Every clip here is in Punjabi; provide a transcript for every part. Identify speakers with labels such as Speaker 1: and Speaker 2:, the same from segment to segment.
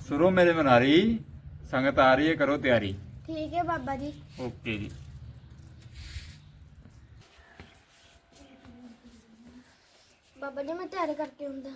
Speaker 1: सुरो मेरे मनारी, संगत आ रही है, करो तैयारी।
Speaker 2: ठीक है बाबा जी।
Speaker 1: ओके जी।
Speaker 2: बाबा जी मैं तैयारी करके आऊंगा।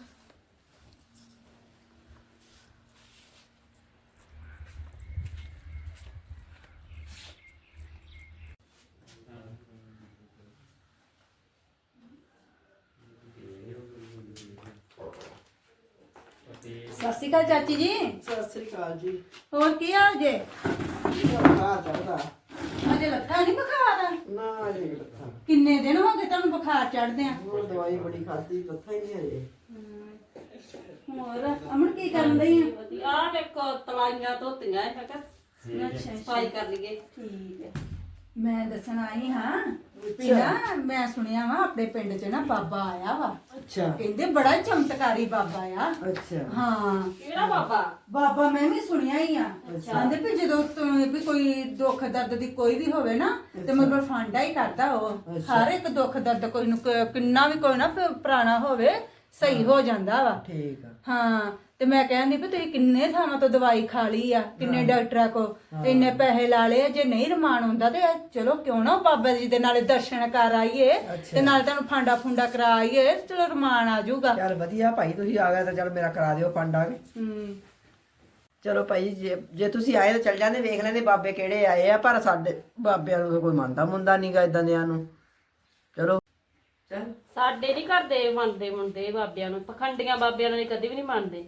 Speaker 3: ਸਤਿ ਸ਼੍ਰੀ ਅਕਾਲ ਚਾਚੀ ਜੀ।
Speaker 4: ਸਤਿ ਸ੍ਰੀ ਅਕਾਲ ਜੀ।
Speaker 3: ਹੋਰ ਕੀ ਹਾਲ ਜੇ?
Speaker 4: ਬੁਖਾਰ ਚੜਦਾ?
Speaker 3: ਅਜੇ ਲੱਥਾ ਨਹੀਂ ਬੁਖਾਰ?
Speaker 4: ਨਾ ਅਜੇ ਲੱਥਾ।
Speaker 3: ਕਿੰਨੇ ਦਿਨ ਹੋ ਗਏ ਤੁਹਾਨੂੰ ਬੁਖਾਰ ਚੜਦੇ ਆ?
Speaker 4: ਹੋਰ ਦਵਾਈ ਬੜੀ ਖਾਧੀ, ਲੱਥਾ ਹੀ ਨਹੀਂ ਹਜੇ।
Speaker 3: ਹੋਰ ਅਮਨ ਕੀ ਕਰਨ ਲਈ ਆ?
Speaker 5: ਆ ਦੇਖੋ ਤਲਾਈਆਂ ਧੋਤੀਆਂ ਹੈ
Speaker 3: ਅੱਛਾ
Speaker 5: ਸਫਾਈ ਕਰ ਲਈਏ।
Speaker 3: ਠੀਕ ਹੈ। ਮੈਂ ਦੱਸਣ ਆਈ ਹਾਂ ਵੀ ਨਾ ਮੈਂ ਸੁਣਿਆ ਵਾ ਆਪਣੇ ਪਿੰਡ 'ਚ ਨਾ ਬਾਬਾ ਆਇਆ ਵਾ।
Speaker 4: ਅੱਛਾ
Speaker 3: ਕਹਿੰਦੇ ਬੜਾ ਚਮਤਕਾਰੀ ਬਾਬਾ ਆ।
Speaker 4: ਅੱਛਾ।
Speaker 3: ਹਾਂ
Speaker 5: ਕਿਹੜਾ ਬਾਬਾ?
Speaker 3: ਬਾਬਾ ਮੈਂ ਵੀ ਸੁਣਿਆ ਹੀ ਆ। ਕਹਿੰਦੇ ਵੀ ਜਦੋਂ ਵੀ ਕੋਈ ਦੁੱਖ ਦਰਦ ਦੀ ਕੋਈ ਵੀ ਹੋਵੇ ਨਾ ਤੇ ਮਤਲਬ ਫਾਂਡਾ ਹੀ ਕਰਦਾ ਉਹ। ਹਰ ਇੱਕ ਦੁੱਖ ਦਰਦ ਕੋਈ ਨੂੰ ਕਿੰਨਾ ਵੀ ਕੋਈ ਨਾ ਪੁਰਾਣਾ ਹੋਵੇ ਸਹੀ ਹੋ ਜਾਂਦਾ ਵਾ।
Speaker 4: ਠੀਕ ਆ।
Speaker 3: ਹਾਂ ਤੇ ਮੈਂ ਕਹਿੰਦੀ ਵੀ ਤੁਸੀਂ ਕਿੰਨੇ ਥਾਵਾਂ ਤੋਂ ਦਵਾਈ ਖਾ ਲਈ ਆ, ਕਿੰਨੇ ਡਾਕਟਰਾਂ ਕੋ ਤੇ ਇੰਨੇ ਪੈਸੇ ਲਾ ਲਏ। ਜੇ ਨਹੀਂ ਰਮਾਨ ਹੁੰਦਾ ਤੇ ਚਲੋ ਕਿਉਂ ਨਾ ਬਾਬਾ ਜੀ ਦੇ ਨਾਲੇ ਦਰਸ਼ਨ ਕਰ ਆਈਏ ਤੇ ਨਾਲ ਤੁਹਾਨੂੰ ਫਾਂਡਾ ਫੁੰਡਾ ਕਰਾ ਆਈਏ, ਚਲੋ ਰਮਾਨ ਆ ਜਾਊਗਾ।
Speaker 4: ਚੱਲ ਵਧੀਆ ਭਾਈ, ਤੁਸੀਂ ਆ ਗਏ ਤਾਂ ਚੱਲ ਮੇਰਾ ਕਰਾ ਦਿਓ ਫੰਡਾ ਵੀ। ਚਲੋ ਭਾਈ, ਜੇ ਤੁਸੀਂ ਆਏ ਤਾਂ ਚੱਲ ਜਾਂਦੇ, ਵੇਖ ਲੈਂਦੇ ਬਾਬੇ ਕਿਹੜੇ ਆਏ ਆ। ਪਰ ਸਾਡੇ ਬਾਬਿਆਂ ਨੂੰ ਤਾਂ ਕੋਈ ਮੰਨਦਾ ਮੁੰਦਾ ਨਹੀਂਗਾ ਇਦਾਂ ਦਿਆਂ ਨੂੰ। ਚਲੋ ਚੱਲ।
Speaker 5: ਸਾਡੇ ਨਹੀਂ ਕਰਦੇ ਮੰਨਦੇ ਮੁੰਡੇ ਬਾਬਿਆਂ ਨੂੰ, ਪਖੰਡੀਆਂ ਬਾਬਿਆਂ ਨੂੰ ਕਦੇ ਵੀ ਨਹੀਂ ਮੰਨਦੇ।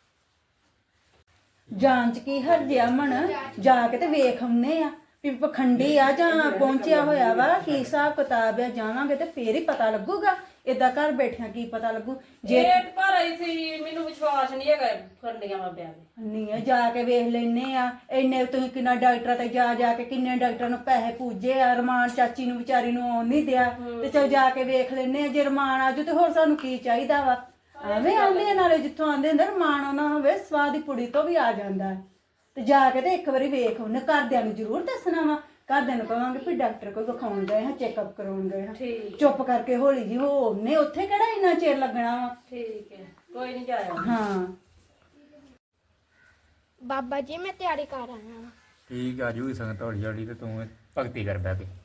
Speaker 3: ਜਾਂਚ ਕੀ ਹਰਜਿਆ ਮਨ ਜਾ ਕੇ ਤੇ ਵੇਖ ਆਉਨੇ ਆ ਵੀ ਪਖੰਡੀ ਆ ਜਾਂ ਪਹੁੰਚਿਆ ਹੋਇਆ ਵਾ, ਕੀ ਹਿਸਾਬ ਕਿਤਾਬ ਆ। ਜਾਵਾਂਗੇ ਤੇ ਫੇਰ ਹੀ ਪਤਾ ਲੱਗੂਗਾ। ਏਦਾਂ ਘਰ ਬੈਠਿਆਂ ਕੀ ਪਤਾ ਲੱਗੂ ਜੇ
Speaker 5: ਪਰ ਆਈ ਸੀ, ਮੈਨੂੰ ਵਿਸ਼ਵਾਸ ਨਹੀਂ ਹੈਗਾ ਪਖੰਡੀਆਂ ਬਾਬਿਆਂ ਤੇ।
Speaker 3: ਨਹੀਂ ਆ ਜਾ ਕੇ ਵੇਖ ਲੈਨੇ ਆ। ਇੰਨੇ ਤੁਸੀਂ ਕਿੰਨਾ ਡਾਕਟਰਾਂ ਤੇ ਜਾ ਕੇ ਕਿੰਨੇ ਡਾਕਟਰਾਂ ਨੂੰ ਪੈਸੇ ਪੂਜੇ ਆ। ਰਮਾਨ ਚਾਚੀ ਨੂੰ ਵਿਚਾਰੀ ਨੂੰ ਆਉਣ ਨਹੀਂ ਦਿਆ ਤੇ ਚਲ ਜਾ ਕੇ ਵੇਖ ਲੈਨੇ ਆ। ਜੇ ਰਮਾਨ ਆਜੂ ਤੇ ਹੋਰ ਸਾਨੂੰ ਕੀ ਚਾਹੀਦਾ ਵਾ। ਐਵੇਂ ਆਉਂਦੇ ਨਾਲੇ ਜਿੱਥੋਂ ਆਉਂਦੇ ਹੁੰਦੇ ਰਮਾਨ ਆਉਣਾ ਹੋਵੇ ਸਵਾਦ ਦੀ ਪੁੜੀ ਤੋਂ ਵੀ ਆ ਜਾਂਦਾ ਤੇ ਜਾ ਕੇ ਤੇ ਇੱਕ ਵਾਰੀ ਵੇਖ ਉਹਨੇ। ਘਰਦਿਆਂ ਨੂੰ ਜ਼ਰੂਰ ਦੱਸਣਾ ਵਾ। ਘਰਦਿਆਂ ਨੂੰ ਕਹਾਂਗੇ ਵੀ ਡਾਕਟਰ ਕੋਲ ਵਿਖਾਉਣ ਗਏ ਹਾਂ, ਚੈੱਕਅਪ ਕਰਾਉਣ ਗਏ ਹਾਂ। ਚੁੱਪ ਕਰਕੇ ਹੌਲੀ ਜੀ ਹੋਣੇ, ਉੱਥੇ ਕਿਹੜਾ ਇੰਨਾ ਚਿਰ ਲੱਗਣਾ ਵਾ।
Speaker 5: ਠੀਕ ਹੈ, ਕੋਈ ਨਹੀਂ ਜਾਇਆ।
Speaker 3: ਹਾਂ
Speaker 2: बाबा जी मैं तैयारी कर आया हूं।
Speaker 1: ठीक आ जूगी संगत हौली हौली ते तू भगती कर बैठ के।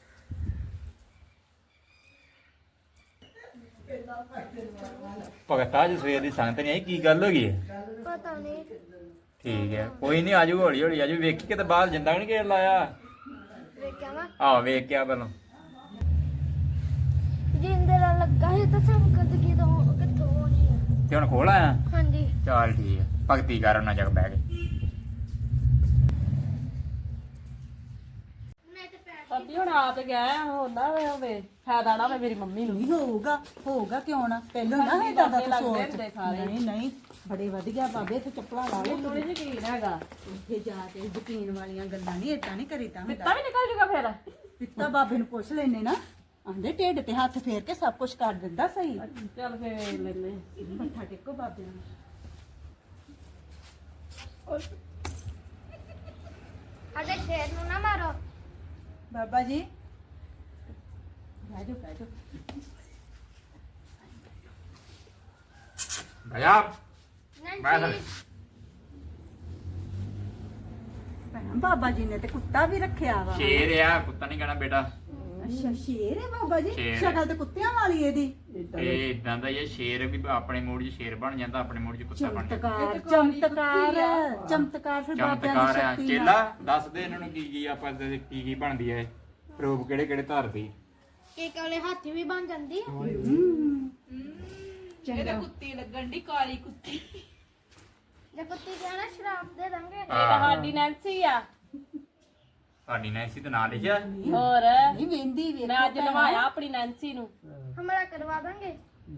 Speaker 1: भगत आज सवेर दी संगत नहीं आई, की गल हो गई है?
Speaker 2: पता नहीं।
Speaker 1: ठीक है, कोई नहीं, आजू हौली हौली आजू। वेखी के बाहर जिंदा नहीं घेर लाया।
Speaker 2: देखा ना
Speaker 1: आहो वेख के पहला
Speaker 2: जिंदे दा लगा है तो सब कद की तो किथों होनी है।
Speaker 1: ते हुण खोल आया।
Speaker 2: हां जी
Speaker 1: चल ठीक है, भगती कर उन्ना जग बैठ के।
Speaker 5: ਅੱਬੀ ਹੁਣ ਆਪ ਗਿਆ ਹੁੰਦਾ ਹੋਵੇ, ਫਾਇਦਾ ਨਾ ਹੋਵੇ ਮੇਰੀ ਮੰਮੀ ਨੂੰ।
Speaker 3: ਨਹੀਂ ਹੋਊਗਾ ਕਿਉਂ ਨਾ। ਪਹਿਲਾਂ ਨਾ ਇਹ ਦਾਦਾ ਤੂੰ
Speaker 5: ਲੱਗਦੇ
Speaker 3: ਸੋਚ।
Speaker 5: ਹੁੰਦੇ ਸਾਰੇ।
Speaker 3: ਨਹੀਂ ਬੜੇ ਵਧੀਆ ਬਾਬੇ ਇੱਥੇ ਚੱਪਲਾਂ ਲਾ ਲਓ।
Speaker 5: ਥੋੜੀ ਜਿਹੀ ਯਕੀਨ ਹੈਗਾ।
Speaker 3: ਉੱਥੇ ਜਾ ਕੇ ਯਕੀਨ ਵਾਲੀਆਂ ਗੱਲਾਂ ਨਹੀਂ ਏਦਾਂ ਨਹੀਂ ਕਰੀਦਾ
Speaker 5: ਪਿੱਤਾ
Speaker 3: ਹੁੰਦਾ।
Speaker 5: ਵੀ ਨਿਕਲ ਜੂਗਾ ਫੇਰ।
Speaker 3: ਪਿੱਤਾ ਬਾਬੇ ਨੂੰ ਪੁੱਛ ਲੈਨੇ ਨਾ, ਆਂਦੇ ਢਿੱਡ ਤੇ ਹੱਥ ਫੇਰ ਕੇ ਸਭ ਕੁਝ ਕਰ ਦਿੰਦਾ ਸਹੀ।
Speaker 5: ਚੱਲ ਫੇਰ ਲੈਨੇ।
Speaker 3: ਮੱਥਾ ਟੇਕੋ ਬਾਬੇ ਨੂੰ।
Speaker 2: अरे शेर नु ना मारो।
Speaker 3: ਬਾਬਾ ਜੀ ਬੈਠੋ ਬੈਠੋ।
Speaker 1: भैया
Speaker 2: नहीं
Speaker 1: बैठ।
Speaker 3: ਭੈਣਾ ਬਾਬਾ ਜੀ ਨੇ ਤੇ ਕੁੱਤਾ ਵੀ ਰੱਖਿਆ ਵਾ।
Speaker 1: शेर है, कुत्ता नहीं कहना बेटा।
Speaker 3: ਅੱਛਾ ਸ਼ੇਰ ਹੈ ਬਾਬਾ ਜੀ।
Speaker 1: ਸ਼ੇਰ।
Speaker 3: ਸ਼ਕਲ ਤੇ ਕੁੱਤਿਆਂ ਵਾਲੀ ਇਹਦੀ।
Speaker 1: ਇਹ ਇਦਾਂ ਦਾ ਹੀ ਹੈ, ਸ਼ੇਰ ਵੀ ਆਪਣੇ ਮੂਡ 'ਚ ਸ਼ੇਰ ਬਣ ਜਾਂਦਾ, ਆਪਣੇ ਮੂਡ 'ਚ ਕੁੱਤਾ ਬਣ ਜਾਂਦਾ।
Speaker 3: ਚਮਤਕਾਰ ਫਿਰ ਬਾਬਿਆਂ ਦੀ
Speaker 1: ਚਮਤਕਾਰ ਆ।
Speaker 3: ਸ਼ਕਤੀ
Speaker 1: ਚੇਲਾ
Speaker 3: ਨਾਲ।
Speaker 1: ਦੱਸ ਦੇ ਇਹਨਾਂ ਨੂੰ ਕੀ ਆਪਾਂ ਕੀ ਬਣਦੀ ਹੈ, ਰੂਪ ਕਿਹੜੇ ਕਿਹੜੇ ਧਾਰਦੀ।
Speaker 2: एक वाले हाथी भी बन जांदी।
Speaker 5: ਇਹਦੇ ਕੁੱਤੀ ਲੱਗਣ ਦੀ, ਕਾਲੀ ਕੁੱਤੀ।
Speaker 2: जे कुत्ती कहना शराब दे देंगे।
Speaker 5: ਇਹ ਤਾਂ ਸਾਡੀ ਨੈਂਸੀ ਆ।
Speaker 1: ਸਾਡੀ ਨੈਂਸੀ ਤੇ ਨਾਂ ਲਿਖਿਆ।
Speaker 5: ਹੋਰ
Speaker 3: ਨਹੀਂ ਵੇਂਦੀ ਵੇਖ।
Speaker 5: ਮੈਂ ਅੱਜ ਨਵਾਇਆ ਆਪਣੀ ਨੈਂਸੀ ਨੂੰ।
Speaker 2: हमारा करवा देंगे।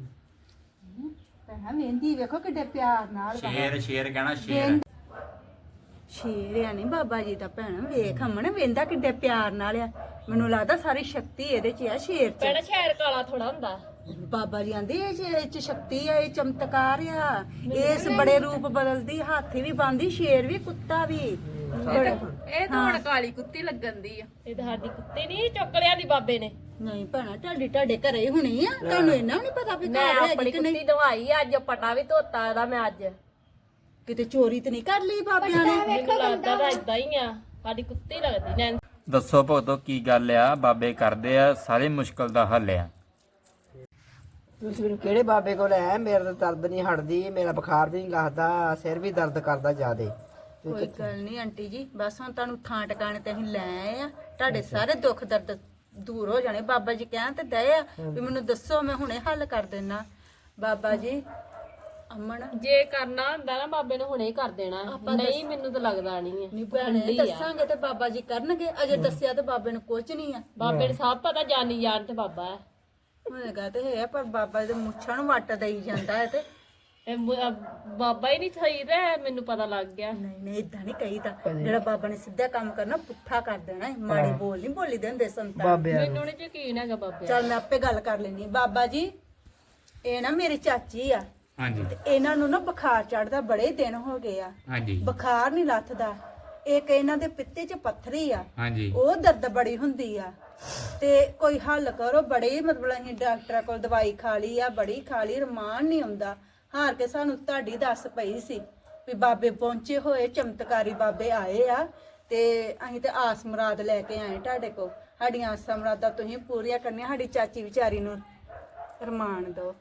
Speaker 3: ਭੈਣਾ ਵੇਂਦੀ ਵੇਖੋ ਕਿੱਡੇ ਪਿਆਰ ਨਾਲ।
Speaker 1: ਸ਼ੇਰ ਸ਼ੇਰ ਕਹਿਣਾ ਸ਼ੇਰ।
Speaker 3: ਸ਼ੇਰ ਆ ਨਹੀਂ ਬਾਬਾ ਜੀ ਦਾ ਭੈਣਾ। ਵੇਖ ਅਮਨ ਵੇਂਦਾ ਕਿੱਡੇ ਪਿਆਰ ਨਾਲ ਆ। ਮੈਨੂੰ ਲੱਗਦਾ ਸਾਰੀ ਸ਼ਕਤੀ ਇਹਦੇ 'ਚ ਆ ਸ਼ੇਰ 'ਚ।
Speaker 5: ਪਹਿਲਾਂ ਸ਼ਹਿਰ ਕਾਲਾ ਥੋੜਾ ਹੁੰਦਾ।
Speaker 3: ਬਾਬਾ ਜੀ ਆਂਦੇ ਇਹ 'ਚ ਸ਼ਕਤੀ ਆ, ਇਹ ਚਮਤਕਾਰ ਆ। ਇਸ ਬੜੇ ਰੂਪ ਬਦਲਦੀ, ਹਾਥੀ ਵੀ ਬਣਦੀ, ਸ਼ੇਰ ਵੀ, ਕੁੱਤਾ ਵੀ।
Speaker 5: ਇਹ ਤਾਂ ਹੁਣ ਕਾਲੀ ਕੁੱਤੀ ਲੱਗਣ ਦੀ ਆ। ਇਹ ਤਾਂ ਸਾਡੀ ਕੁੱਤੀ ਨਹੀਂ, ਚੁੱਕ ਲਿਆ ਦੀ ਬਾਬੇ ਨੇ।
Speaker 3: ਨਹੀਂ ਭੈਣਾ ਤੁਹਾਡੇ ਘਰੇ ਹੀ ਹੋਣੀ ਆ। ਤੁਹਾਨੂੰ ਇਹਨਾਂ ਨਹੀਂ ਪਤਾ ਵੀ
Speaker 5: ਮੈਂ
Speaker 3: ਘਰ
Speaker 5: ਆਪਣੀ
Speaker 3: ਹੈ ਕਿ ਨਹੀਂ।
Speaker 5: ਕੁੱਤੀ ਦਵਾਈ ਅੱਜ, ਪਟਾ ਵੀ ਧੋਤਾ ਇਹਦਾ ਮੈਂ ਅੱਜ।
Speaker 3: ਕਿਤੇ ਚੋਰੀ ਤੇ ਨਹੀਂ ਕਰ ਲਈ ਬਾਬਿਆਂ ਨੇ?
Speaker 5: ਮੈਨੂੰ ਲੱਗਦਾ ਤਾਂ ਇਦਾਂ ਹੀ ਆ, ਸਾਡੀ ਕੁੱਤੀ ਲੱਗਦੀ ਨੈਂਸੀ।
Speaker 1: ਦੱਸੋ ਭਗਤੋ ਕੀ ਗੱਲ ਆ? ਬਾਬੇ ਕਰਦੇ ਆ ਸਾਰੇ ਮੁਸ਼ਕਲ ਦਾ ਹੱਲ ਆ।
Speaker 4: ਤੁਸੀਂ ਮੈਨੂੰ ਕਿਹੜੇ ਬਾਬੇ ਕੋਲ ਆਏ? ਮੇਰਾ ਤਾਂ ਦਰਦ ਨਹੀਂ ਹਟਦੀ, ਮੇਰਾ ਬੁਖਾਰ ਵੀ ਨਹੀਂ ਲੱਗਦਾ, ਸਿਰ ਵੀ ਦਰਦ ਕਰਦਾ ਜ਼ਿਆਦੇ।
Speaker 3: ਕੋਈ ਗੱਲ ਨਹੀਂ ਆਂਟੀ ਜੀ, ਬਸ ਹੁਣ ਤੁਹਾਨੂੰ ਥਾਂ ਟਿਕਾਣੇ ਤੇ ਅਸੀਂ ਲੈ ਆਏ ਆ, ਤੁਹਾਡੇ ਸਾਰੇ ਦੁੱਖ ਦਰਦ ਦੂਰ ਹੋ ਜਾਣੇ। ਬਾਬਾ ਜੀ ਕਹਿਣ ਤੇ ਦਏ ਆ ਵੀ ਮੈਨੂੰ ਦੱਸੋ, ਮੈਂ ਹੁਣੇ ਹੱਲ ਕਰ ਦੇਣਾ। ਬਾਬਾ ਜੀ ਅਮਨ
Speaker 5: ਜੇ ਕਰਨਾ ਹੁੰਦਾ ਨਾ ਬਾਬੇ ਨੇ ਹੁਣੇ ਹੀ ਕਰ ਦੇਣਾ, ਨਹੀਂ ਮੈਨੂੰ ਤਾਂ ਲੱਗਦਾ ਨਹੀਂ ਹੈ।
Speaker 3: ਨਹੀਂ ਭੈਣੇ, ਦੱਸਾਂਗੇ ਤੇ ਬਾਬਾ ਜੀ ਕਰਨਗੇ, ਅਜੇ ਦੱਸਿਆ ਤੇ ਬਾਬੇ ਨੂੰ ਕੁਝ ਨਹੀਂ ਆ।
Speaker 5: ਬਾਬੇ ਨੂੰ ਸਭ ਪਤਾ, ਜਾਨੀ ਜਾਣ ਤੇ ਬਾਬਾ ਹੈ।
Speaker 3: ਹੋਏਗਾ ਤੇ ਹੈ, ਪਰ ਬਾਬਾ ਦੇ ਮੁੱਛਾਂ ਨੂੰ ਵੱਟ ਦੇਈ ਜਾਂਦਾ ਹੈ ਤੇ
Speaker 5: ਬਾਬਾ ਹੀ ਨਹੀਂ ਸਹੀ ਤੇ ਮੈਨੂੰ ਪਤਾ ਲੱਗ ਗਿਆ।
Speaker 3: ਨਹੀਂ ਨਹੀਂ ਇਦਾਂ ਨਹੀਂ ਕਹੀਦਾ, ਜਿਹੜਾ ਬਾਬਾ ਨੇ ਸਿੱਧਾ ਕੰਮ ਕਰਨਾ ਪੁੱਠਾ ਕਰ ਦੇਣਾ ਹੈ। ਮਾੜੀ ਬੋਲ ਨਹੀਂ ਬੋਲੀ ਦੇ ਹੁੰਦੇ ਸੰਤਾਂ ਨੂੰ।
Speaker 5: ਮੈਨੂੰ ਨਹੀਂ ਯਕੀਨ ਹੈਗਾ ਬਾਬੇ।
Speaker 3: ਚੱਲ ਮੈਂ ਆਪੇ ਗੱਲ ਕਰ ਲੈਣੀ। ਬਾਬਾ ਜੀ ਇਹ ਨਾ ਮੇਰੀ ਚਾਚੀ ਆ,
Speaker 1: ਹਾਂਜੀ
Speaker 3: ਤੇ ਇਹਨਾਂ ਨੂੰ ਨਾ ਬੁਖਾਰ ਚੜਦਾ, ਬੜੇ ਦਿਨ ਹੋ ਗਏ ਆ,
Speaker 1: ਹਾਂਜੀ
Speaker 3: ਬੁਖਾਰ ਨਹੀਂ ਲੱਥਦਾ। ਇੱਕ ਇਹਨਾਂ ਦੇ ਪਿੱਤੇ 'ਚ ਪੱਥਰੀ ਆ,
Speaker 1: ਹਾਂਜੀ
Speaker 3: ਉਹ ਦਰਦ ਬੜੀ ਹੁੰਦੀ ਆ, ਤੇ ਕੋਈ ਹੱਲ ਕਰੋ। ਬੜੇ ਮਤਲਬ ਅਸੀਂ ਡਾਕਟਰਾਂ ਕੋਲ ਦਵਾਈ ਖਾ ਲਈ ਆ, ਬੜੀ ਖਾ ਲਈ, ਰਮਾਨ ਨਹੀਂ ਆਉਂਦਾ। ਹਾਰ ਕੇ ਸਾਨੂੰ ਤੁਹਾਡੀ ਦੱਸ ਪਈ ਸੀ ਵੀ ਬਾਬੇ ਪਹੁੰਚੇ ਹੋਏ, ਚਮਤਕਾਰੀ ਬਾਬੇ ਆਏ ਆ, ਤੇ ਅਸੀਂ ਤੇ ਆਸ ਮੁਰਾਦ ਲੈ ਕੇ ਆਏ ਤੁਹਾਡੇ ਕੋਲ। ਸਾਡੀਆਂ ਆਸਾਂ ਮੁਰਾਦਾਂ ਤੁਸੀਂ ਪੂਰੀਆਂ ਕਰਨੀਆਂ, ਸਾਡੀ ਚਾਚੀ ਵਿਚਾਰੀ ਨੂੰ ਰਮਾਨ ਦਿਓ।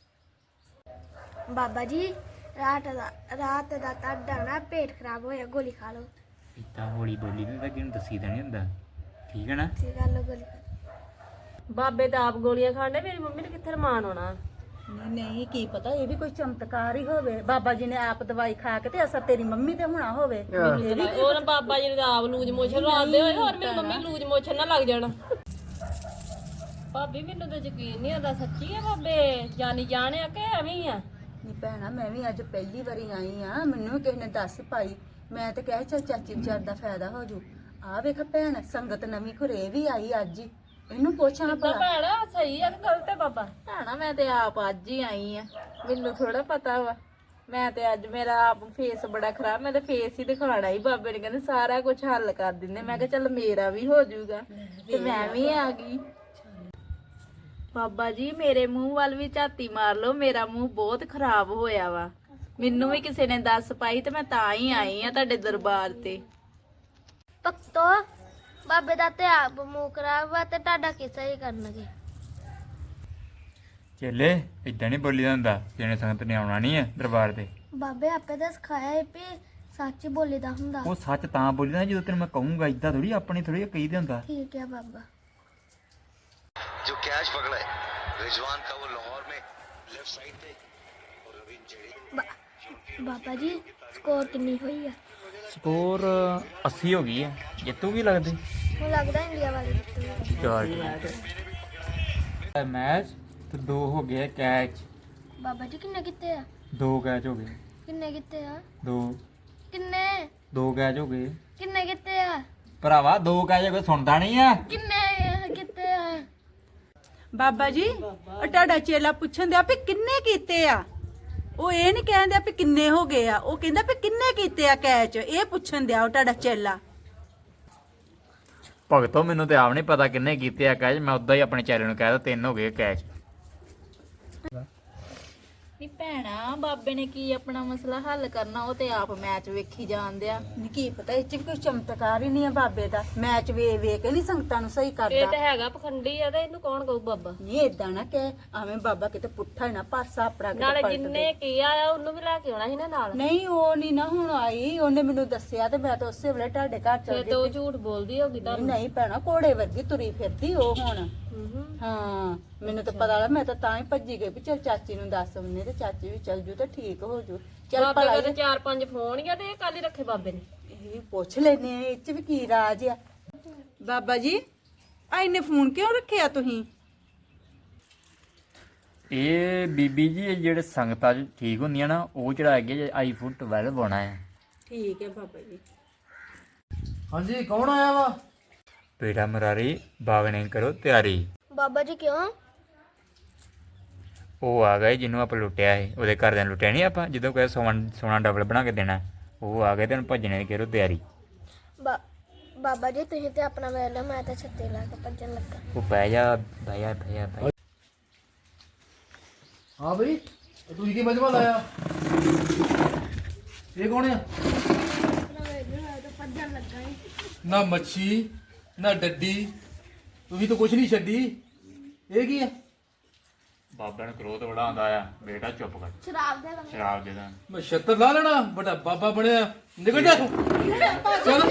Speaker 2: ਬਾਬਾ ਜੀ ਰਾਤ ਦਾ ਤੁਹਾਡਾ ਨਾ ਪੇਟ ਖਰਾਬ ਹੋਇਆ, ਗੋਲੀ ਖਾ ਲਓ।
Speaker 1: ਇੱਦਾਂ ਹੌਲੀ ਬੋਲੀ ਤੇ ਕਿਹਨੂੰ ਦੱਸੀ ਤਾਂ ਨਹੀਂ ਹੁੰਦਾ, ਠੀਕ ਹੈ ਨਾ?
Speaker 2: ਠੀਕ ਆ, ਲਓ ਗੋਲੀ ਖਾ।
Speaker 5: ਬਾਬੇ ਤਾਂ ਆਪ ਗੋਲੀਆਂ ਖਾਣੇ, ਮੇਰੀ ਮੰਮੀ ਨੇ ਕਿੱਥੇ ਰਮਾਨ ਆਉਣਾ।
Speaker 3: ਨਹੀਂ ਨਹੀਂ, ਕੀ ਪਤਾ ਇਹ ਵੀ ਕੋਈ ਚਮਤਕਾਰ ਹੀ ਹੋਵੇ। ਬਾਬਾ ਜੀ ਨੇ ਆਪ ਦਵਾਈ ਖਾ ਕੇ ਤੇ ਅਸਰ ਤੇਰੀ ਮੰਮੀ ਤੇ ਹੋਣਾ ਹੋਵੇ।
Speaker 5: ਉਹ ਨਾ ਬਾਬਾ ਜੀ ਨੇ ਆਪ ਲੂਜ ਮੋਸ਼ਨ ਲਾਉਂਦੇ ਹੋਏ, ਹੋਰ ਮੇਰੀ ਮੰਮੀ ਲੂਜ ਮੋਸ਼ਨ ਨਾ ਲੱਗ ਜਾਣਾ। ਭਾਬੀ ਮੈਨੂੰ ਤਾਂ ਯਕੀਨ ਨਹੀਂ ਆਉਂਦਾ, ਸੱਚੀ ਹੈ ਬਾਬੇ ਜਾਨੀ ਜਾਣਿਆ ਕਿ ਐਵੇਂ ਹੀ ਆ?
Speaker 3: ਨਹੀਂ ਭੈਣਾ, ਮੈਂ ਵੀ ਅੱਜ ਪਹਿਲੀ ਵਾਰੀ ਆਈ ਆ, ਮੈਨੂੰ ਵੀ ਕਿਸੇ ਨੇ ਦੱਸ ਪਾਈ। ਮੈਂ ਤੇ ਕਹਿ ਚੱਲ ਚਾਚੀ ਵਿਚਾਰ ਦਾ ਫਾਇਦਾ ਹੋ ਜੂ। ਆ ਵੇਖ ਭੈਣ, ਸੰਗਤ ਨਵੀਂ ਘਰੇ ਵੀ ਆਈ ਅੱਜ ਹੀ, ਇਹਨੂੰ ਪੁੱਛਾਂ
Speaker 5: ਤਾਂ
Speaker 3: ਭਲਾ।
Speaker 5: ਭੈਣਾ ਸਹੀ ਆ ਕਿ ਗਲਤ ਹੈ ਬਾਬਾ?
Speaker 6: ਭੈਣਾ ਮੈਂ ਤੇ ਆਪ ਅੱਜ ਹੀ ਆਈ ਆ, ਮੈਨੂੰ ਥੋੜਾ ਪਤਾ ਵਾ। ਮੈਂ ਤੇ ਅੱਜ ਮੇਰਾ ਆਪ ਫੇਸ ਬੜਾ ਖਰਾਬ, ਮੈਂ ਤੇ ਫੇਸ ਹੀ ਦਿਖਾਣਾ ਹੀ। ਬਾਬੇ ਨੇ ਕਹਿੰਦੇ ਸਾਰਾ ਕੁਝ ਹੱਲ ਕਰ ਦਿੰਦੇ। ਮੈਂ ਕਿਹਾ ਚੱਲ ਮੇਰਾ ਵੀ ਹੋ ਜਾਊਗਾ, ਤੇ ਮੈਂ ਵੀ ਆ ਗਈ। ਬਾਬਾ ਜੀ ਮੇਰੇ ਮੂੰਹ ਵੱਲ ਵੀ ਝਾਤੀ ਮਾਰ ਲਓ, ਮੇਰਾ ਮੂੰਹ ਬਹੁਤ ਖਰਾਬ ਹੋਇਆ ਵਾ। ਮੈਨੂੰ ਵੀ ਕਿਸੇ ਨੇ ਦੱਸ ਪਾਈ ਤੇ ਮੈਂ ਤਾਂ ਹੀ ਆਈ ਆ ਤੁਹਾਡੇ ਦਰਬਾਰ ਤੇ।
Speaker 2: ਭਗਤੋ ਬਾਬੇ ਦਾ ਤੇ ਆਪ ਮੂੰਹ ਖਰਾਬ ਵਾ, ਤੇ ਤੁਹਾਡਾ ਕਿਸਾ ਹੀ ਕਰਨਗੇ।
Speaker 1: ਚੇਲੇ ਇੱਦਾਂ ਨਹੀਂ ਬੋਲੀ ਦਾ ਹੁੰਦਾ, ਜਿਹਨੇ ਸੰਗਤ ਨੇ ਆਉਣਾ ਨਹੀਂ ਹੈ ਦਰਬਾਰ ਤੇ।
Speaker 2: ਬਾਬੇ ਆਪੇ ਤਾਂ ਸਿਖਾਇਆ ਹੈ ਵੀ ਸੱਚ ਬੋਲੀਦਾ ਹੁੰਦਾ।
Speaker 1: ਉਹ ਸੱਚ ਤਾਂ ਬੋਲੀ ਦਾ ਜਦੋਂ ਤੈਨੂੰ ਮੈਂ ਕਹੂੰਗਾ, ਇੱਦਾਂ ਥੋੜੀ ਆਪਣੀ ਥੋੜੀ ਕਹੀ ਦੇ ਹੁੰਦਾ।
Speaker 2: ਠੀਕ ਹੈ ਬਾਬਾ।
Speaker 7: जो कैच पकड़ा है रिजवान का वो लाहौर में लेफ्ट साइड पे और रवीन जेडी।
Speaker 2: ਬਾਬਾ ਜੀ ਸਕੋਰ ਕਿੰਨੀ ਹੋਈ ਆ?
Speaker 1: ਸਕੋਰ 80 ਹੋ ਗਈ ਹੈ। ਜਿੱਤੂਗੀ ਲੱਗਦੀ
Speaker 2: ਮੈਨੂੰ ਲੱਗਦਾ ਇੰਡੀਆ ਵਾਲੇ ਜਿੱਤੂਗੇ।
Speaker 1: ਚਾਰ ਮੈਚ ਤੇ 2 ਹੋ ਗਏ ਕੈਚ।
Speaker 2: ਬਾਬਾ ਜੀ ਕਿੰਨੇ ਕੀਤੇ ਆ?
Speaker 1: 2 ਕੈਚ ਹੋ ਗਏ।
Speaker 2: ਕਿੰਨੇ ਕੀਤੇ ਆ?
Speaker 1: 2
Speaker 2: ਕਿੰਨੇ
Speaker 1: 2 ਕੈਚ ਹੋ ਗਏ
Speaker 2: ਕਿੰਨੇ ਕੀਤੇ ਆ?
Speaker 1: ਭਰਾਵਾ। 2 ਕੈਚ ਹੋ ਗਏ, ਸੁਣਦਾ ਨਹੀਂ ਆ?
Speaker 2: ਕਿੰਨੇ ਕੀਤੇ ਆ?
Speaker 3: ਬਾਬਾ ਜੀ ਉਹ ਤੁਹਾਡਾ ਚੇਲਾ ਪੁੱਛਣ ਦਿਆ ਵੀ ਕਿੰਨੇ ਕੀਤੇ ਆ। ਉਹ ਇਹ ਨਹੀਂ ਕਹਿੰਦੇ ਵੀ ਕਿੰਨੇ ਹੋ ਗਏ ਆ, ਉਹ ਕਹਿੰਦਾ ਵੀ ਕਿੰਨੇ ਕੀਤੇ ਆ ਕੈਚ। ਇਹ ਪੁੱਛਣ ਦਿਆ ਉਹ ਤੁਹਾਡਾ ਚੇਲਾ।
Speaker 1: ਭਗਤੋ ਮੈਨੂੰ ਤੇ ਆਪ ਨਹੀਂ ਪਤਾ ਕਿੰਨੇ ਕੀਤੇ ਆ ਕੈਚ। ਮੈਂ ਉਦਾਂ ਹੀ ਆਪਣੇ ਚੈਲੇ ਨੂੰ ਕਹਿ ਤਾ 3 ਹੋ ਗਏ ਕੈਚ।
Speaker 6: ਨੀ ਭੈਣਾ ਬਾਬੇ ਨੇ ਕੀ ਆਪਣਾ ਮਸਲਾ ਹੱਲ ਕਰਨਾ, ਉਹ ਤੇ ਆਪ ਮੈਚ ਵੇਖੀ ਜਾਂਦੇ ਆ।
Speaker 3: ਨਹੀਂ ਕੀ ਪਤਾ ਇਹ ਚ ਵੀ ਕੋਈ ਚਮਤਕਾਰ ਹੀ ਨਹੀਂ ਆ ਬਾਬੇ ਦਾ। ਮੈਚ ਵੇਖ ਕੇ ਨਹੀਂ ਸੰਗਤਾਂ ਨੂੰ ਸਹੀ
Speaker 5: ਇਹ
Speaker 3: ਕਰਦਾ।
Speaker 5: ਤਾਂ ਹੈਗਾ ਪਖੰਡੀ ਆ, ਤੇ ਇਹਨੂੰ ਕੌਣ ਕਹੂ ਬਾਬਾ?
Speaker 3: ਨਹੀਂ ਏਦਾਂ ਨਾ ਕਹਿ, ਐਵੇਂ ਬਾਬਾ ਕਿਤੇ ਪੁੱਠਾ ਹੀ ਨਾ ਪਾਸਾ ਆਪਣਾ ਕਿਤੇ
Speaker 5: ਨਾਲੇ
Speaker 3: ਪਲਟ
Speaker 5: ਜਿੰਨੇ
Speaker 3: ਦੇ।
Speaker 5: ਕੀ ਆਇਆ ਉਹਨੂੰ ਵੀ ਲੈ ਕੇ ਆਉਣਾ ਸੀ ਨਾ ਨਾਲ।
Speaker 3: ਨਹੀਂ ਉਹ ਨਹੀਂ ਨਾ ਹੁਣ ਆਈ, ਉਹਨੇ ਮੈਨੂੰ ਦੱਸਿਆ ਤੇ ਮੈਂ ਤਾਂ ਉਸੇ ਵੇਲੇ ਤੁਹਾਡੇ ਘਰ ਚਲ
Speaker 5: ਫਿਰ
Speaker 3: ਗਈ।
Speaker 5: ਤੇ ਉਹ ਝੂਠ ਬੋਲਦੀ ਹੋਗੀ ਤੁਹਾਨੂੰ।
Speaker 3: ਨਹੀਂ ਭੈਣਾ, ਘੋੜੇ ਵਰਗੀ ਤੁਰੀ ਫਿਰਦੀ ਉਹ ਹੁਣ। ਹਾਂ ਮੈਨੂੰ ਤਾਂ ਪਤਾ ਲੱਗਾ, ਮੈਂ ਤਾਂ ਹੀ ਭੱਜੀ ਗਈ ਵੀ ਚੱਲ ਚਾਚੀ ਨੂੰ ਦੱਸ ਉਹਨੇ, ਤੇ ਚਾਚੀ ਵੀ ਚੱਲ ਜੂ ਤੇ ਠੀਕ ਹੋ ਜੂ। ਚੱਲ
Speaker 5: ਬਾਬੇ
Speaker 3: ਭਲਾ
Speaker 5: ਕੋਲ ਤੇ 4-5 ਫੋਨ ਹੀ ਆ, ਤੇ ਇਹ ਕੱਲ ਹੀ ਰੱਖੇ ਬਾਬੇ ਨੇ।
Speaker 3: ਇਹ ਪੁੱਛ ਲੈਨੇ ਆ ਇਹ ਚ ਵੀ ਕੀ ਰਾਜ ਆ। ਬਾਬਾ ਜੀ ਆ ਇਹਨੇ ਫੋਨ ਕਿਉਂ ਰੱਖਿਆ ਤੁਸੀਂ?
Speaker 1: ਇਹ ਬੀਬੀ ਜੀ ਇਹ ਜਿਹੜੇ ਸੰਗਤਾਂ 'ਚ ਠੀਕ ਹੁੰਦੀਆਂ ਨਾ, ਉਹ ਚੜਾ ਕੇ ਆਈਫੋਨ 12 ਪਾਉਣਾ ਹੈ।
Speaker 3: ਠੀਕ ਹੈ ਬਾਬਾ ਜੀ।
Speaker 8: ਹਾਂਜੀ ਕੌਣ ਆਇਆ ਵਾ?
Speaker 1: ਪੇੜਾ ਮਰਾਰੀ ਬਾਗਣੇ ਕਰੋ ਤਿਆਰੀ।
Speaker 2: ਬਾਬਾ ਜੀ ਕਿਉਂ?
Speaker 1: ਉਹ ਆ ਗਏ ਜਿਹਨੂੰ ਆਪਾਂ ਲੁੱਟਿਆ ਸੀ, ਉਹਦੇ ਘਰਦਿਆਂ ਨੂੰ ਲੁੱਟਿਆ ਨਹੀਂ ਆਪਾਂ, ਜਦੋਂ ਕਹੇ ਸੋਨਾ ਡਬਲ ਬਣਾ ਕੇ ਦੇਣਾ। ਉਹ ਆ ਗਏ ਤੇ ਹੁਣ ਭੱਜਣੇ ਦੀ ਕਰੋ ਤਿਆਰੀ।
Speaker 2: ਬਾਬਾ ਜੀ ਤੁਸੀਂ ਤੇ ਆਪਣਾ ਵੇਖ ਲਓ, ਮੈਂ ਤਾਂ ਛੱਤੇ ਲਾ ਕੇ ਭੱਜਣ ਲੱਗਾ।
Speaker 1: ਉਹ ਬਹਿ ਜਾ ਬਹਿ ਜਾ ਬਹਿ ਜਾ ਬਹਿ ਜਾ।
Speaker 8: ਹਾਂ ਬਈ ਤੁਸੀਂ ਕੀ ਮਜਮਾ ਲਾਇਆ? ਇਹ ਕੌਣ ਆ? ਨਾ ਮੱਛੀ ਨਾ ਡੱਡੀ, ਤੁਸੀਂ ਤਾਂ ਕੁਛ ਨਹੀਂ ਛੱਡੀ। ਇਹ ਕੀ ਆ?
Speaker 1: ਬਾਬਿਆਂ ਨੂੰ ਕ੍ਰੋਧ ਬੜਾ ਆਉਂਦਾ ਆ। ਬੇਟਾ ਚੁੱਪ ਕਰ,
Speaker 2: ਸ਼ਰਾਬ ਦੇ ਦਾਂਗੇ
Speaker 1: ਸ਼ਰਾਬ ਦੇ ਦਾਂ।
Speaker 8: ਮੈਂ ਛੱਤਰ ਲਾ ਲੈਣਾ, ਬੜਾ ਬਾਬਾ ਬਣਿਆ। ਨਿਕਲ ਜਾ ਤੂੰ। ਚੱਲ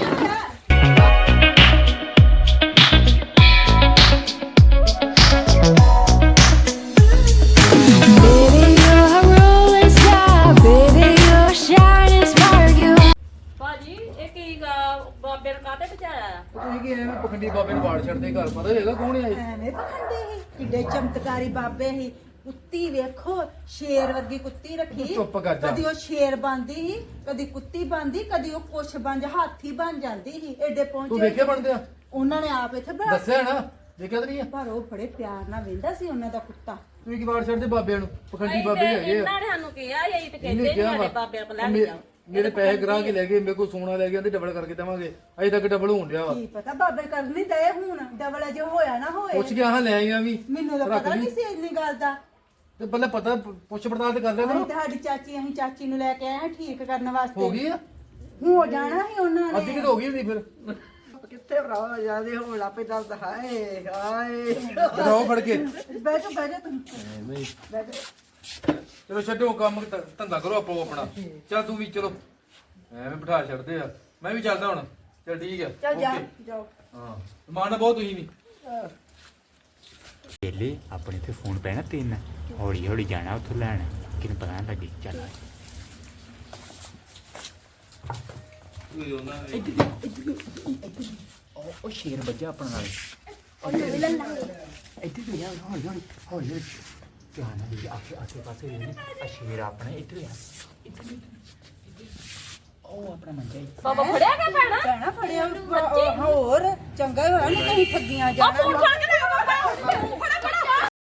Speaker 6: ਭਾਜੀ ਇਹ ਕੀ ਬਾਬੇ ਨੂੰ ਕਾਹਤੇ ਬਚਾਇਆ?
Speaker 8: ਤੁਸੀਂ ਕੀ ਐਵੇਂ ਪਖੰਡੀ ਬਾਬੇ ਨੂੰ ਵਾੜ ਛੱਡਦੇ? ਘਰ ਪਤਾ ਹੈਗਾ ਕੌਣ ਆ ਇਹ?
Speaker 3: ਐਵੇਂ ਪਖੰਡੇ ਸੀ, ਕਿੱਡੇ ਚਮਤਕਾਰੀ ਬਾਬੇ ਸੀ। ਕੁੱਤੀ ਵੇਖੋ, ਸ਼ੇਰ ਵਰਗੀ ਕੁੱਤੀ ਰੱਖੀ।
Speaker 8: ਚੁੱਪ ਕਰ ਜਾ।
Speaker 3: ਕਦੀ ਉਹ ਸ਼ੇਰ ਬਣਦੀ ਸੀ, ਕਦੀ ਕੁੱਤੀ ਬਣਦੀ, ਕਦੀ ਉਹ ਕੁਛ ਬਣ ਹਾਥੀ ਬਣ ਜਾਂਦੀ ਸੀ। ਐਡੇ
Speaker 8: ਤੂੰ
Speaker 3: ਪਹੁੰਚੇ
Speaker 8: ਵੇਖਿਆ ਬਣਦੇ ਆ?
Speaker 3: ਉਹਨਾਂ ਨੇ ਆਪ ਇੱਥੇ ਬਣਾ
Speaker 8: ਦੱਸਿਆ ਨਾ, ਦੇਖਿਆ ਤਾਂ ਨਹੀਂ ਆ?
Speaker 3: ਪਰ ਉਹ ਬੜੇ ਪਿਆਰ ਨਾਲ ਵੇਂਦਾ ਸੀ ਉਹਨਾਂ ਦਾ ਕੁੱਤਾ।
Speaker 8: ਤੁਸੀਂ ਕੀ ਵਾੜ ਛੱਡਦੇ ਬਾਬਿਆਂ ਨੂੰ? ਪਖੰਡੀ ਬਾਬੇ ਹੀ ਹੈਗੇ ਆ।
Speaker 6: ਇਹਨਾਂ ਨੇ ਸਾਨੂੰ ਕਿਹਾ ਇਹ ਤੇ
Speaker 8: ਇਹਨੇ
Speaker 6: ਕਹਿੰਦੇ
Speaker 8: ਕਿਹਾ
Speaker 6: ਨਹੀਂ
Speaker 8: ਵਾ,
Speaker 6: ਸਾਡੇ ਬਾਬਿਆਂ ਕੋਲ ਲੈ ਕੇ ਜਾਓ।
Speaker 8: ਮੇਰੇ ਪੈਸੇ ਗਰਾ ਕੇ ਲੈ ਗਏ, ਮੇਰੇ ਕੋਲ ਸੋਨਾ ਲੈ ਗਿਆ ਤੇ ਡਬਲ ਕਰਕੇ ਦੇਵਾਂਗੇ। ਅਜੇ ਤੱਕ ਡਬਲ ਹੋਣ ਡਿਆ ਵਾ।
Speaker 3: ਕੀ ਪਤਾ ਬਾਬੇ ਕਰ ਨਹੀਂ ਦਏ ਹੁਣ, ਡਬਲ ਅਜੇ ਹੋਇਆ ਨਾ ਹੋਏ।
Speaker 8: ਪੁੱਛ ਗਿਆ ਹਾਂ, ਲੈ ਆਈਆਂ ਵੀ।
Speaker 3: ਮੈਨੂੰ ਤਾਂ
Speaker 8: ਰੱਖ
Speaker 3: ਪਤਾ
Speaker 8: ਲਈ।
Speaker 3: ਨਹੀਂ ਸੀ ਇੰਨੀ ਗੱਲ ਦਾ।
Speaker 8: ਤੇ ਪਹਿਲਾਂ ਪਤਾ ਪੁੱਛ ਪੜਤਾਲ ਤੇ ਕਰ ਲਿਆ
Speaker 3: ਅਸੀਂ
Speaker 8: ਕਰੋ।
Speaker 3: ਤੁਹਾਡੀ ਚਾਚੀ, ਅਸੀਂ ਚਾਚੀ ਨੂੰ ਲੈ ਕੇ ਆਏ ਹਾਂ ਠੀਕ ਕਰਨ ਵਾਸਤੇ।
Speaker 8: ਹੋ ਗਈ ਆ?
Speaker 3: ਹੋ ਜਾਣਾ ਸੀ ਉਹਨਾਂ
Speaker 8: ਅੱਧੀ
Speaker 3: ਨੇ।
Speaker 8: ਕਿ ਹੋ ਗਈ ਹੁੰਦੀ ਫਿਰ।
Speaker 4: ਕਿੱਥੇ ਭਰਾ ਜਿਆਦੇ ਹੋਣ ਲੱਪੇ ਦਰਦ। ਹਾਏ ਹਾਏ
Speaker 8: ਦਿਖਾਓ ਫੜ ਕੇ।
Speaker 3: ਬਹਿ ਜਾ ਤੂੰ, ਬਹਿ ਜਾ।
Speaker 8: ਚਲੋ ਛੱਡੋ ਕੰਮ, ਧੰਦਾ ਕਰੋ ਆਪੋ ਆਪਣਾ। ਚੱਲ ਤੂੰ ਵੀ ਚਲੋ, ਐਵੇਂ ਬਿਠਾ ਛੱਡਦੇ ਆ। ਮੈਂ ਵੀ ਚੱਲਦਾ ਹੁਣ। ਚੱਲ ਠੀਕ ਆ।
Speaker 3: ਚੱਲ ਜਾ,
Speaker 8: ਓਕੇ।
Speaker 3: ਜਾਓ।
Speaker 8: ਹਾਂ ਮਾਣਾ ਬਹੁਤ ਤੁਸੀਂ ਵੀ।
Speaker 1: ਵੇਲੇ ਆਪਣੇ ਤੇ ਫੋਨ ਪੈਣਾ 3, ਹੌਲੀ ਹੌਲੀ ਜਾਣਾ ਉੱਥੋਂ ਲੈਣ, ਕਿਨੂੰ ਪਤਾ ਨਾ ਲੱਗੇ। ਚੱਲ ਉਹ ਸ਼ੇਰ ਵੱਜਾ ਆਪਣਾ ਨਾਲ। ਇੱਥੇ ਤੋਂ ਯਾਰ ਹੌਲੀ ਹੌਲੀ ਹੌਲੀ ਹੌਲੀ ਧਿਆਨ ਨਾਲ ਦੇਖ, ਆਸੇ ਪਾਸੇ ਵੇਖ। ਆ ਸ਼ੇਰ ਆਪਣਾ ਇੱਧਰ ਆ, ਇੱਧਰ ਉਹ ਆਪਣਾ ਮੰਜਾ ਹੀ।
Speaker 6: ਬਾਬਾ ਫੜਿਆ ਗਿਆ ਭੈਣਾ?
Speaker 3: ਭੈਣਾ ਫੜਿਆ ਹੋਰ ਚੰਗਾ ਹੋਇਆ ਨਾ ਤੁਸੀਂ ਠੱਗੀਆਂ ਜਾਣਾ।
Speaker 6: ਫੋਨ ਫੜ ਕੇ ਲੈ ਬਾਬਾ, ਫੜਾ ਫੜਾ।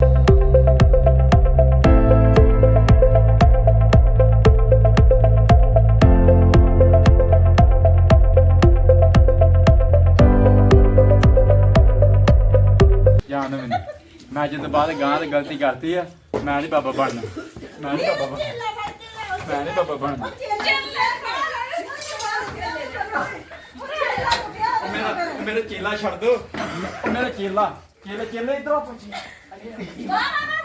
Speaker 1: ਜਾਣ ਮੈਨੂੰ, ਮੈਂ ਅੱਜ ਤੋਂ ਬਾਅਦ ਗਾਂ ਤੇ ਗਲਤੀ ਕਰਤੀ ਆ। ਮੈਂ ਨਹੀਂ ਬਾਬਾ ਬਣਨਾ, ਮੈਂ ਨਹੀਂ ਬਾਬਾ ਬਣਨਾ, ਮੈਂ ਨਹੀਂ ਬਾਬਾ ਬਣਨਾ। ਮੇਰਾ ਚੇਲਾ ਛੱਡ ਦੋ, ਮੇਰਾ ਚੇਲਾ ਇਧਰ ਆ ਪੁੱਛੀ।